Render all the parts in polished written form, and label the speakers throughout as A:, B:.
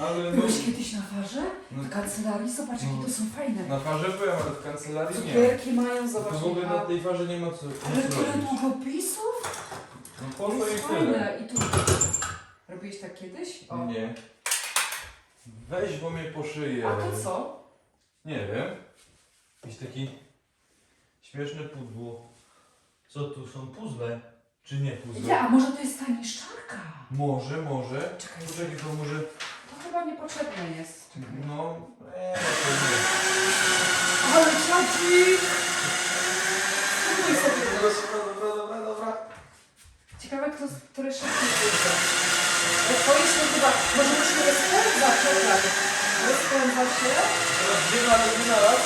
A: Ale
B: Byłeś kiedyś na farze?
A: No.
B: W kancelarii? Zobacz, jakie to są fajne.
A: Na farze byłem, ale w kancelarii nie.
B: Cukierki mają,
A: To
B: zobacz.
A: w ogóle na
B: Michał.
A: tej farze nie ma co
B: Ale tyle
A: robić.
B: długopisów?
A: No po
B: To
A: to i
B: jest
A: tyle.
B: fajne. I tu... Robiłeś tak kiedyś? O.
A: Nie. Weź, bo mnie po szyję.
B: A to co?
A: Nie wiem. Jakiś taki śmieszny pudło. Co tu są puzzle? Czy nie puzzle?
B: Ja, a może to jest ta niszczarka?
A: Może.
B: Czekaj,
A: Poczekaj, to może...
B: to chyba niepotrzebne jest. Czekaj.
A: No, to nie.
B: Ale czacik! Spróbuj sobie.
A: Dobra.
B: Ciekawe, który szybciej pójdzie. Twoje się chyba... Może musimy rozpędzać, czekaj. Rozpędza się.
A: Teraz dwie na raz.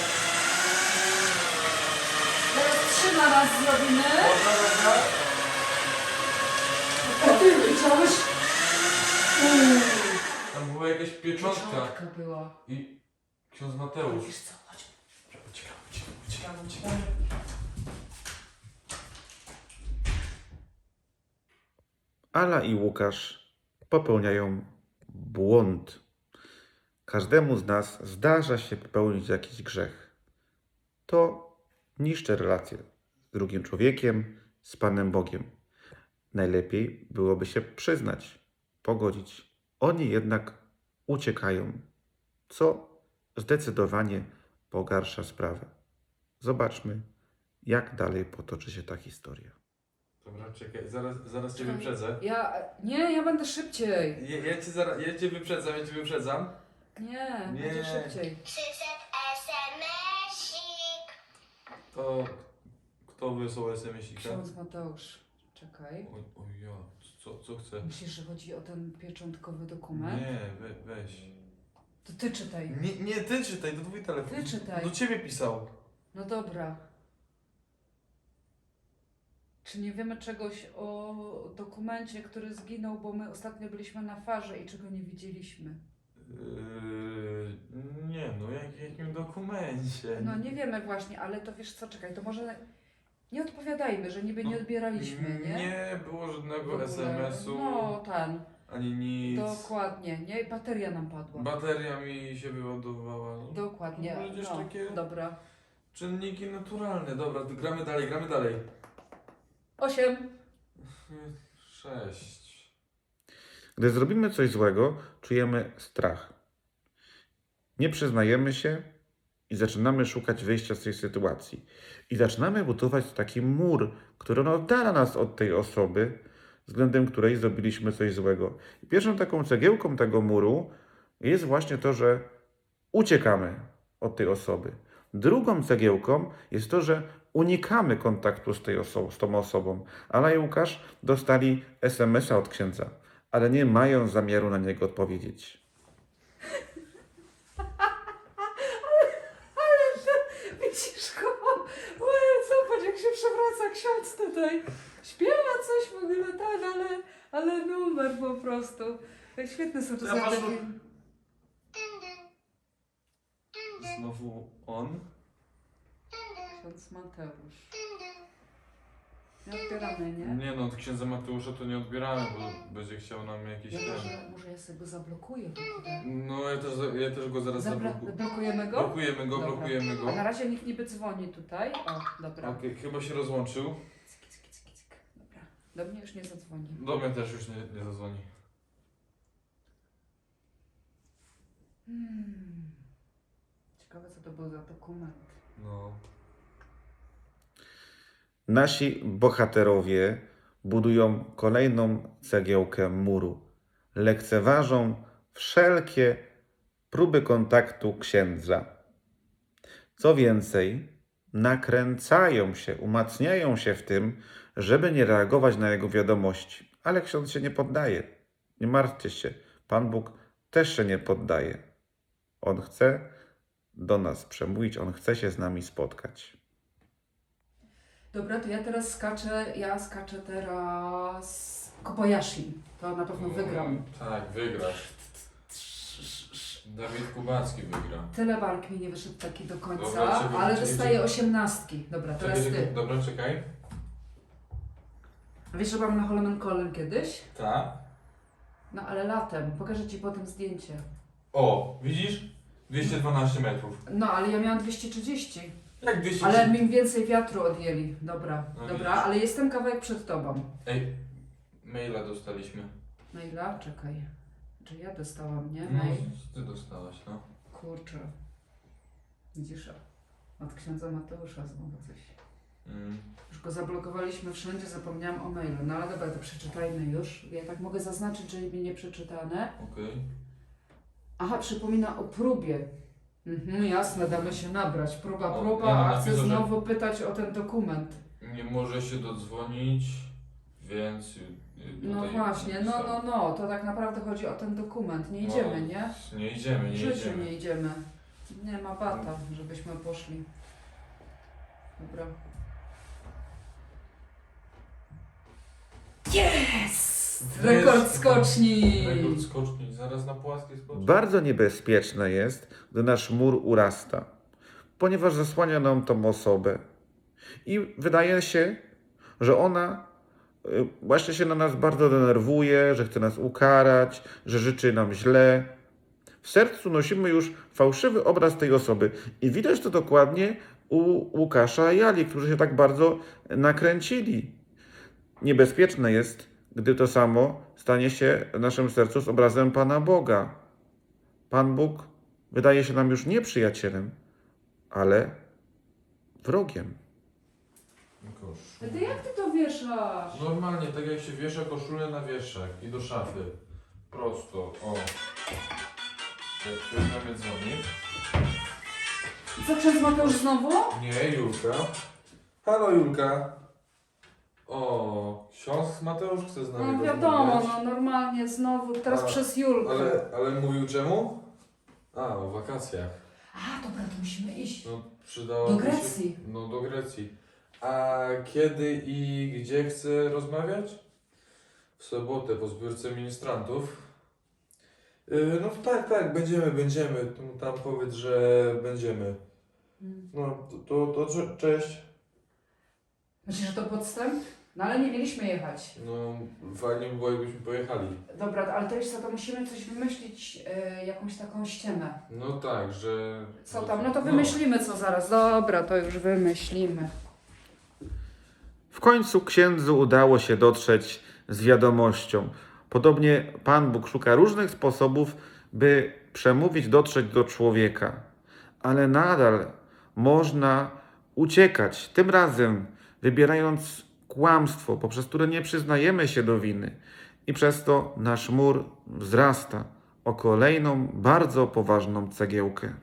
B: Teraz 3 na raz zrobimy.
A: Dobra.
B: A ty widziałeś?
A: Tam była jakaś pieczątka.
B: Pieczątka była.
A: I ksiądz Mateusz.
B: Wiesz co, chodź.
A: Uciekam.
C: Ala i Łukasz popełniają błąd. Każdemu z nas zdarza się popełnić jakiś grzech. To niszczy relacje z drugim człowiekiem, z Panem Bogiem. Najlepiej byłoby się przyznać, pogodzić. Oni jednak uciekają, co zdecydowanie pogarsza sprawę. Zobaczmy, jak dalej potoczy się ta historia.
A: Dobra, czekaj, zaraz cię wyprzedzę.
B: Ja będę szybciej.
A: Ja cię wyprzedzam.
B: Nie,
A: Nie.
B: będzie szybciej.
D: Przyszedł SMS-ik.
A: To kto wysłał SMS-ika?
B: Ksiądz Mateusz, czekaj.
A: Oj ja, co chce?
B: Myślisz, że chodzi o ten pieczątkowy dokument?
A: Nie, weź.
B: To ty czytaj.
A: Nie, ty czytaj, to twój telefon.
B: Ty czytaj.
A: Do ciebie pisał.
B: No dobra. Czy nie wiemy czegoś o dokumencie, który zginął, bo my ostatnio byliśmy na farze i czego nie widzieliśmy?
A: Nie no, jakim dokumencie?
B: No nie wiemy właśnie, ale to wiesz co, czekaj, to może nie odpowiadajmy, że niby nie odbieraliśmy, nie?
A: Nie było
B: W
A: żadnego
B: ogóle.
A: SMS-u,
B: No,
A: ani nic.
B: dokładnie, nie? Bateria nam padła.
A: Bateria mi się wyładowała.
B: Dokładnie,
A: To będziesz
B: no,
A: takie-
B: dobra.
A: Czynniki naturalne. Dobra, to gramy dalej.
B: 8.
A: 6.
C: Gdy zrobimy coś złego, czujemy strach. Nie przyznajemy się i zaczynamy szukać wyjścia z tej sytuacji. I zaczynamy budować taki mur, który oddala nas od tej osoby, względem której zrobiliśmy coś złego. I pierwszą taką cegiełką tego muru jest właśnie to, że uciekamy od tej osoby. Drugą cegiełką jest to, że unikamy kontaktu z tą osobą. Ala i Łukasz dostali SMS-a od księdza, ale nie mają zamiaru na niego odpowiedzieć.
B: Widzisz go? Zobacz jak się przewraca ksiądz tutaj. Śpiewa coś w ogóle, tak, ale numer po prostu. Świetne są to
A: Ja patrzę-
B: zadania.
A: Znowu on.
B: Ksiądz Mateusz. Nie odbieramy, nie?
A: Nie no, od księdza Mateusza to nie odbieramy, bo będzie chciał nam jakiś ten.
B: Może ja sobie go zablokuję w ogóle.
A: No ja też go zaraz zablokuję.
B: Blokujemy go?
A: Blokujemy go,
B: Dobra.
A: blokujemy go.
B: A na razie nikt niby dzwoni tutaj. O, dobra.
A: Okej, chyba się rozłączył.
B: Cyk. Dobra. Do mnie już nie zadzwoni.
A: Do mnie też już nie zadzwoni.
B: Ciekawe co to był za dokument.
A: No.
C: Nasi bohaterowie budują kolejną cegiełkę muru. Lekceważą wszelkie próby kontaktu księdza. Co więcej, nakręcają się, umacniają się w tym, żeby nie reagować na jego wiadomości. Ale ksiądz się nie poddaje. Nie martwcie się, Pan Bóg też się nie poddaje. On chce do nas przemówić, On chce się z nami spotkać.
B: Dobra, to ja teraz skaczę teraz Kobayashi. To na pewno wygram.
A: Tak, wygrasz. Dawid Kubacki wygra.
B: Tyle bark mi nie wyszedł taki do końca,
A: Dobra, czekaj,
B: ale
A: czekaj,
B: dostaję
A: czekaj.
B: 18. Dobra, teraz ty.
A: Dobra, czekaj.
B: A wiesz, że byłam na Holmenkollen kiedyś?
A: Tak.
B: No ale latem. Pokażę ci potem zdjęcie.
A: O, widzisz? 212 metrów.
B: No, ale ja miałam 230.
A: Jak 200?
B: Ale mi więcej wiatru odjęli. Dobra,
A: No
B: dobra,
A: widzisz.
B: ale jestem kawałek przed tobą.
A: Ej, maila dostaliśmy.
B: Maila? Czekaj. Czy ja dostałam, nie?
A: No,
B: Mail.
A: ty dostałaś, no.
B: Kurczę. Widzisz? Od księdza Mateusza znowu coś. Już go zablokowaliśmy wszędzie, zapomniałam o mailu. No ale dobra, to przeczytajmy już. Ja tak mogę zaznaczyć, że mi nie przeczytane.
A: Okej.
B: Aha, przypomina o próbie. Jasne, damy się nabrać. Próba,
A: O,
B: próba,
A: ja
B: a chcę
A: napisał, że-
B: znowu pytać o ten dokument.
A: Nie może się dodzwonić, więc...
B: No
A: tutaj
B: właśnie,
A: napisałem.
B: no, to tak naprawdę chodzi o ten dokument. Nie idziemy,
A: No,
B: nie?
A: Nie idziemy,
B: W
A: nie
B: życiu
A: idziemy.
B: nie idziemy. Nie ma bata, żebyśmy poszli. Dobra. Yes! Rekord skoczni!
A: Rekord skoczni, zaraz na płaskiej skoczni.
C: Bardzo niebezpieczne jest, gdy nasz mur urasta, ponieważ zasłania nam tą osobę. I wydaje się, że ona właśnie się na nas bardzo denerwuje, że chce nas ukarać, że życzy nam źle. W sercu nosimy już fałszywy obraz tej osoby i widać to dokładnie u Łukasza i Ali, którzy się tak bardzo nakręcili. Niebezpieczne jest, gdy to samo stanie się w naszym sercu z obrazem Pana Boga. Pan Bóg wydaje się nam już nie przyjacielem, ale wrogiem.
B: Ty jak ty to wieszasz?
A: Normalnie, tak jak się wiesza koszulę na wieszak i do szafy. Prosto, o. Jak ktoś na mnie dzwoni.
B: Co, ksiądz Mateusz znowu?
A: Nie, Julka. Halo, Julka. O, ksiądz Mateusz chce z nami
B: No wiadomo,
A: rozmawiać.
B: no normalnie znowu, teraz
A: A,
B: przez Julkę.
A: Ale mówił czemu? A, o wakacjach.
B: A, dobra, to musimy iść.
A: No, przydałoby
B: Do Grecji.
A: się... No, do Grecji. A kiedy i gdzie chce rozmawiać? W sobotę po zbiórce ministrantów. No tak, będziemy. Tam powiedz, że będziemy. No, to cześć.
B: Myślisz, że to podstęp? No ale nie mieliśmy jechać.
A: No, fajnie by było, jakbyśmy pojechali.
B: Dobra, ale to jeszcze to musimy coś wymyślić, jakąś taką ściemę.
A: No tak, że...
B: Co tam? No to wymyślimy co zaraz. Dobra, to już wymyślimy.
C: W końcu księdzu udało się dotrzeć z wiadomością. Podobnie Pan Bóg szuka różnych sposobów, by przemówić, dotrzeć do człowieka. Ale nadal można uciekać, tym razem wybierając kłamstwo, poprzez które nie przyznajemy się do winy. I przez to nasz mur wzrasta o kolejną, bardzo poważną cegiełkę.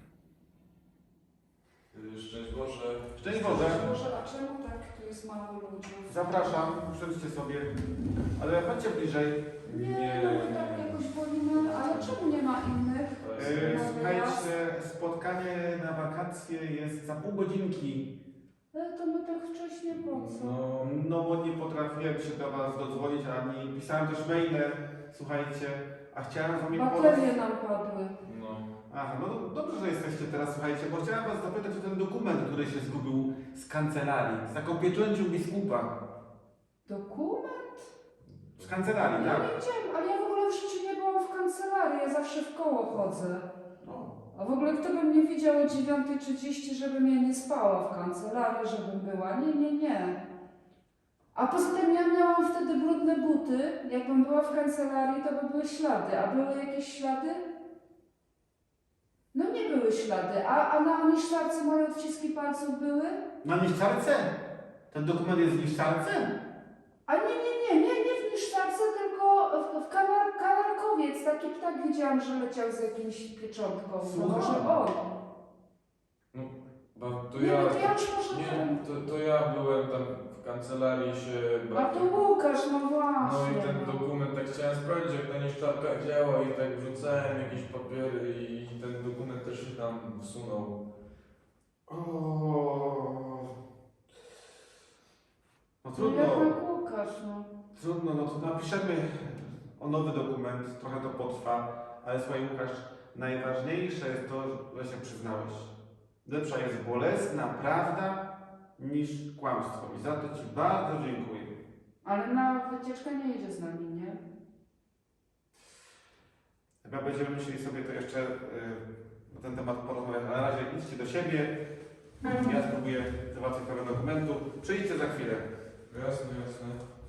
A: Szczęść Boże.
D: Szczęść Boże.
B: Może, a czemu tak tu jest mało ludzi?
D: Zapraszam, usiądźcie sobie. Ale chodźcie bliżej.
B: Nie, no my tak jakoś wolimy, ale czemu nie ma innych?
D: Słuchajcie, spotkanie na wakacje jest za pół godzinki.
B: To my tak wcześnie po co?
D: No bo nie potrafiłem się do was dodzwonić, ani pisałem też maile, słuchajcie, a chciałem z wami
B: Baterie nam padły.
A: No.
D: Aha, no dobrze, że jesteście teraz, słuchajcie, bo chciałem was zapytać o ten dokument, który się zgubił z kancelarii, z taką pieczęcią biskupa.
B: Dokument?
D: Z kancelarii,
B: Ja
D: tak?
B: nie widziałam, ale ja w ogóle w życiu nie byłam w kancelarii, ja zawsze w koło chodzę.
D: No.
B: A w ogóle kto by mnie widział o 9:30, żebym ja nie spała w kancelarii, żebym była? Nie. A poza tym ja miałam wtedy brudne buty. Jakbym była w kancelarii, to by były ślady. A były jakieś ślady? No nie były ślady. A na niszczarce moje odciski palców były?
D: Na niszczarce? Ten dokument jest w niszczarce?
B: A nie w niszczarce, tylko w kanarkowiec. Taki ptak widziałam, że leciał z jakimś pieczątką. No
D: Słucham.
B: może on.
A: Bo to
B: Nie,
A: ja...
B: no to ja już może
A: Nie, to ja byłem tam w kancelarii się
B: A to Łukasz, no właśnie.
A: No i ten dokument, tak chciałem sprawdzić, jak ta niszczarka działa i tak wrzucałem jakieś papiery i ten dokument też się tam wsunął.
D: No
B: No jak Łukasz, no.
D: Trudno, no to napiszemy o nowy dokument, trochę to potrwa, ale słuchaj Łukasz, najważniejsze jest to, że się przyznałeś. Lepsza jest bolesna prawda niż kłamstwo i za to Ci bardzo dziękuję.
B: Ale na wycieczkę nie jedzie z nami, nie?
D: Chyba będziemy musieli sobie to jeszcze na ten temat porozmawiać, ale na razie idźcie do siebie. Ja spróbuję załatwić sprawę dokumentu. Przyjdźcie za chwilę.
A: Jasne, jasne.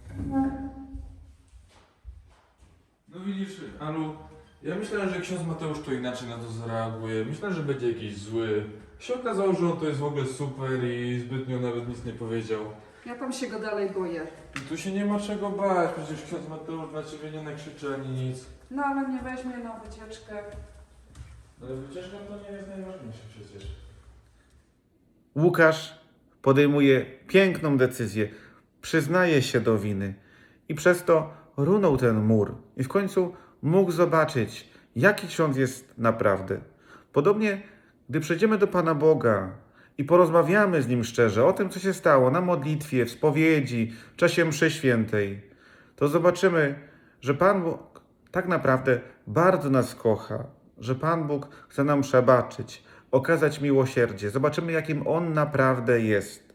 A: No widzisz, Alu, ja myślałem, że ksiądz Mateusz to inaczej na to zareaguje. Myślałem, że będzie jakiś zły. Się okazało, że on to jest w ogóle super i zbytnio nawet nic nie powiedział.
B: Ja tam się go dalej boję.
A: I tu się nie ma czego bać, przecież ksiądz Mateusz na ciebie nie nakrzyczy ani nic.
B: No ale mnie weźmie na wycieczkę.
A: Ale wycieczka to nie jest najważniejsze przecież.
C: Łukasz podejmuje piękną decyzję, przyznaje się do winy i przez to runął ten mur i w końcu mógł zobaczyć, jaki ksiądz jest naprawdę. Podobnie, gdy przejdziemy do Pana Boga i porozmawiamy z Nim szczerze o tym, co się stało na modlitwie, w spowiedzi, w czasie mszy świętej, to zobaczymy, że Pan Bóg tak naprawdę bardzo nas kocha, że Pan Bóg chce nam przebaczyć, okazać miłosierdzie. Zobaczymy, jakim On naprawdę jest.